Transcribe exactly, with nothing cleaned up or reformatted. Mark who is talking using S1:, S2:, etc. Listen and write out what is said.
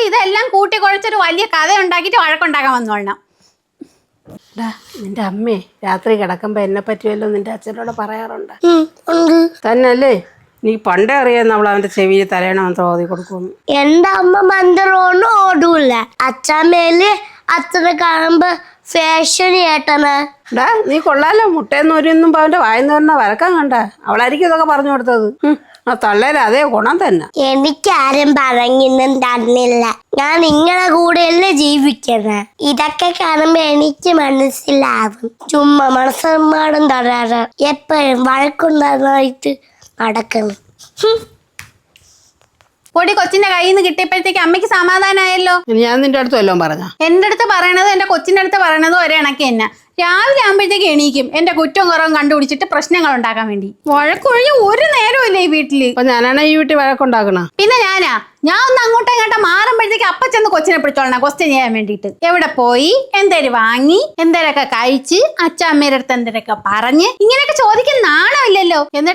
S1: ഇതെല്ലാം കൂട്ടി കുഴച്ചൊരു വലിയ കഥ ഉണ്ടാക്കിയിട്ട് വഴക്കുണ്ടാക്കാൻ വന്നോളണം.
S2: നിന്റെ അമ്മേ രാത്രി കിടക്കുമ്പോ എന്നെ പറ്റിയല്ലോ നിന്റെ അച്ഛനോട് പറയാറുണ്ട് തന്നല്ലേ? നീ പണ്ടേ അറിയാന്ന് അവൾ അവന്റെ ചെവിയിൽ തലയണമെന്ന് ഓതി കൊടുക്കുന്നു.
S3: എന്റെ അമ്മ മന്ത്രമൊന്നും ഓടൂല. അച്ഛമ്മേല് അച്ഛനെ കാണുമ്പോ ഫാഷൻ ഏട്ടനാ.
S2: ഡാ നീ കൊള്ളാലോ, മുട്ടയെന്ന് ഒരുന്നും അവന്റെ വായന്ന് തന്നെ വരക്കാൻ കണ്ട. അവളായിരിക്കും ഇതൊക്കെ പറഞ്ഞു കൊടുത്തത്. ആ തള്ളേല അതേ ഗുണം തന്നെ.
S3: എനിക്കാരും പറഞ്ഞൊന്നും തന്നില്ല. ഞാൻ നിങ്ങളെ കൂടെയല്ലേ ജീവിക്കുന്നത്. ഇതൊക്കെ കാണുമ്പോ എനിക്ക് മനസ്സിലാവും. ചുമ്മാ മനസ്സമ്മാടും തരാറ് എപ്പോഴും വഴക്കുണ്ടായിട്ട് നടക്കണം.
S1: പൊടി കൊച്ചിന്റെ കയ്യിൽ നിന്ന് കിട്ടിയപ്പോഴത്തേക്ക് അമ്മയ്ക്ക് സമാധാനമായല്ലോ.
S2: ഞാൻ നിന്റെ അടുത്ത് വല്ലതും പറഞ്ഞ?
S1: എന്റെ അടുത്ത് പറയണത് എന്റെ കൊച്ചിന്റെ അടുത്ത് പറയണതും ഒരേ കണക്ക് തന്നെ. രാവിലെ ആകുമ്പോഴത്തേക്ക് എണീക്കും എന്റെ കുറ്റവും കുറവും കണ്ടുപിടിച്ചിട്ട് പ്രശ്നങ്ങൾ ഉണ്ടാക്കാൻ വേണ്ടി. വഴക്കൊഴിഞ്ഞ ഒരു നേരവും ഇല്ല ഈ വീട്ടില്.
S2: അപ്പൊ ഞാനാണ് ഈ വീട്ടിൽ വഴക്കുണ്ടാക്കണ?
S1: പിന്നെ ഞാനാ ഞാൻ ഒന്ന് അങ്ങോട്ടും ഇങ്ങോട്ടും മാറുമ്പോഴത്തേക്ക് അപ്പ ചെന്ന് കൊച്ചിനെ പിടിച്ചോളണം ക്വസ്റ്റ്യൻ ചെയ്യാൻ വേണ്ടിയിട്ട്. എവിടെ പോയി, എന്തേലും വാങ്ങി, എന്തേലൊക്കെ കഴിച്ച്, അച്ഛ അമ്മയുടെ അടുത്ത് എന്തേലൊക്കെ പറഞ്ഞ്, ഇങ്ങനെയൊക്കെ ചോദിക്കാൻ നാണമില്ലല്ലോ. എന്നിട്ട്